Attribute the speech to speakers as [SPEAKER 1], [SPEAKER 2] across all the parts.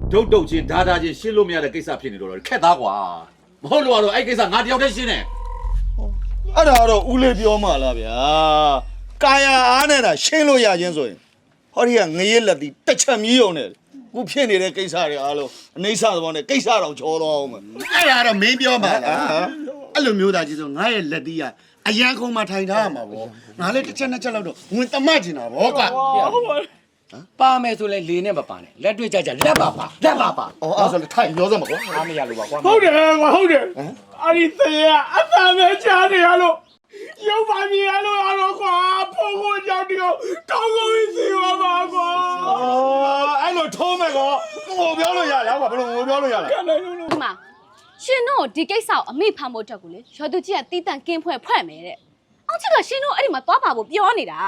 [SPEAKER 1] ဒုတ်တုတ်ချင်းဓာချင်းရှင်းလို့မရတဲ့ကိစ္စဖြစ်နေတော့ခက်သားကွာမဟုတ်လို့ကတော့အဲ့ကိစ္စငါတယောက်တည်းရှင်းတယ်
[SPEAKER 2] အဲ့ဒါတော့ဦးလေးပြောမှလားဗျာကာယအားနဲ့တာရှင်းလို့ရချင်းဆိုရင်ဟောဒီကငရဲလက်တီတစ်ချက်မြည်ုံနဲ့ခုဖြစ်နေတဲ့ကိစ္စတွေအားလုံးအနေဆသဘောနဲ့ကိစ္စတော့ချောတော့အောင်မယ်
[SPEAKER 3] အဲ့ဒါတော့မင်းပြောမှလားအဲ့လိုမျိုးသားကြီးဆိုငါရဲ့လက်တီးကအရန်ခုံမှာထိုင်ထားရမှာဗောငါလည်းတစ်ချက်နှစ်ချက်လောက်တော့ဝင်တမတ်ကျင်တာဗောကွာ
[SPEAKER 4] ပါမယ်ဆိုလဲလေနဲ့မပါနဲ့လက်တွေ့ကြကြလက်ပါပါလက်ပါပါ
[SPEAKER 3] အော်အဲ့ဆိုလည်းထိုင်ရောစမ်းပါကွာ
[SPEAKER 4] အားမရလို့ပါကွာ
[SPEAKER 5] ဟုတ်တယ်ကွာဟုတ်တယ်အဲ့ဒီတရားအသာမဲ့ချားနေရလို့ရုပ်ပါမြင်ရလို့ရတော့ကွာဖိုးကိုကြောက်တယ်တောင်းကိုစီပါပါကွာ
[SPEAKER 2] အဲ့လိုထိုးမယ်ကောငိုပြောလို့ရလားကွာဘယ်လိုငိုပြောလို့ရလဲ
[SPEAKER 5] ကန်နိုင်လို့
[SPEAKER 6] ဒီမှာရှင်တို့ဒီကိစ္စကိုအမိဖမ်းဖို့တက်ကိုလေရော်သူကြီးကတီးတန့်ကင်းဖွဲ့မယ်တဲ့အောက်ချက်ကရှင်တို့အဲ့ဒီမှာသွားပါဖို့ပြောနေတာ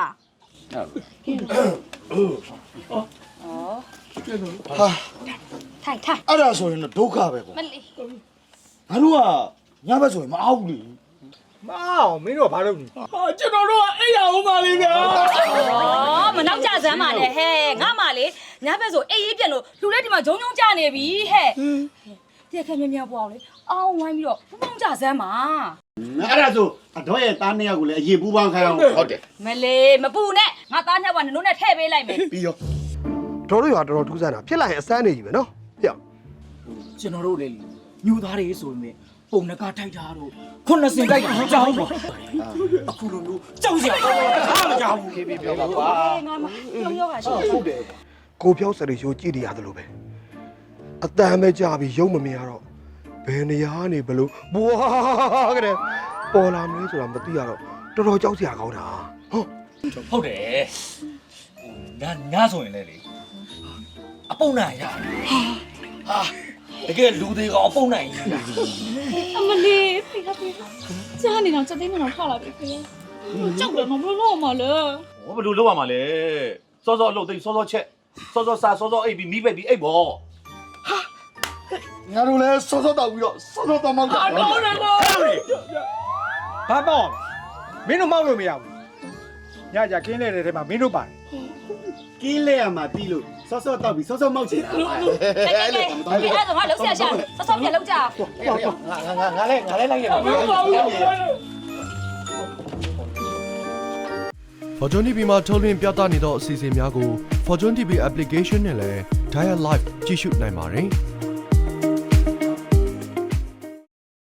[SPEAKER 2] ဟာ
[SPEAKER 6] ထိုင်
[SPEAKER 2] အဲ့ဒါဆိုရင်တော့ဒုက္ခပဲကွာ
[SPEAKER 6] မလေး
[SPEAKER 2] ငါတို့ကညဘက်ဆိုရင်မအောင်ဘူးလေ
[SPEAKER 5] မအောင်မင်းတို့ကဘာလုပ်နေဟာကျွန်တော်တို့ကအဲ့ရအောင်ပါလေဗျာ
[SPEAKER 7] မနောက်ကြစမ်းပါနဲ့ဟဲ့ငါမှလေညဘက်ဆိုအေးရေးပြက်လို့လူလေးဒီမှာဂျုံဂျုံကြနေပြီဟဲ့တဲ့ခဲမြမြပွားအောင်လေအောင်းဝိုင်းပြီးတော့ဘုံကြစမ်းပါ
[SPEAKER 3] အဲ့ဒါဆိုအတော်ရဲ့သားနှစ်ယောက်ကိုလည်းအရေးပူးပေါင်းခိုင်းအောင်ဟုတ်တယ်
[SPEAKER 7] မလေးမပူနဲ့ငါသားနှစ်ယောက်ကနုံနဲ့ထည့်ပေးလိုက်မယ်
[SPEAKER 3] ပြီးရော
[SPEAKER 8] တော်တို့ရွာတော်တော်ထူးဆန်းတာဖြစ်လာရင်အစမ်းနေကြီးပဲနော်ပြ
[SPEAKER 4] ကျွန်တော်တို့လေညူသားတွေဆိုရင်ပုံနကထိုက်တာတို့ခုနှစ်စင်တိုက်တာကြောင်းပေါ့အခုလိုမျိုးကြောက်စရာအားမကြောက်ဘူးပြောပါကွာ
[SPEAKER 7] ငါမပြောရောကရှိ
[SPEAKER 8] ဟုတ်တယ်ကိုပြောစရိရိုးကြည့်နေရတယ်လို့ပဲအတန်ပဲကြာပြီးရုံမမြင်ရတော့ဘယ်နေရာနေဘလို့ဘွားကတဲ့ပေါ်လာမလဲဆိုတာမသိရတော့တော်တော်ကြောက်စရာကောင်းတာ
[SPEAKER 4] ဟုတ်တယ်ငါဆိုရင်လေအပုံနိုင်ရဟာတကယ်လူတွေကအပုံနိုင်ကြီး
[SPEAKER 6] အမလေးဖိခဖိကြားနေတော့စက်သိမ်းမတော့ထွက်လာပြီခင်ကြောက်တယ်မဘလို့မလဲ
[SPEAKER 1] ဟောဘယ်လိုလုပ်ရမှာလဲစောစောလှုပ်သိစောစောချက်စောစောစားစောစောအိပ်ပြီးမိပိတ်ပြီးအိပ်ပေါ့
[SPEAKER 2] ငါတို့လည်းစောစောတောက်ပြီးတော့စောစောတောက်မှောက်တာ
[SPEAKER 5] တော်တယ်နော်ဘာပေါ့မင်းတို့မောက်လို့မရဘူးညကြကင်းလဲတဲ့ထဲမှာမင်းတို့ပါတယ်
[SPEAKER 3] ကင်းလဲရမှာပြီးလို့စောစောတောက်ပြီးစောစောမောက်ချင်တာပါ
[SPEAKER 7] အဲ့လိုမတော်ဘူးအဲ့ဒါငါလုံးဆရာရှာဆော့ဆော့ပြလောက်ကြ
[SPEAKER 4] ငါလည်းလိုက်ရပါဘူး
[SPEAKER 9] Fortune TV မှာထုတ်လွှင့်ပြသနေသောအစီအစဉ်များကို Fortune TV application နဲ့လည်း Dial Live ကြည့်ရှုနိုင်ပါတယ်။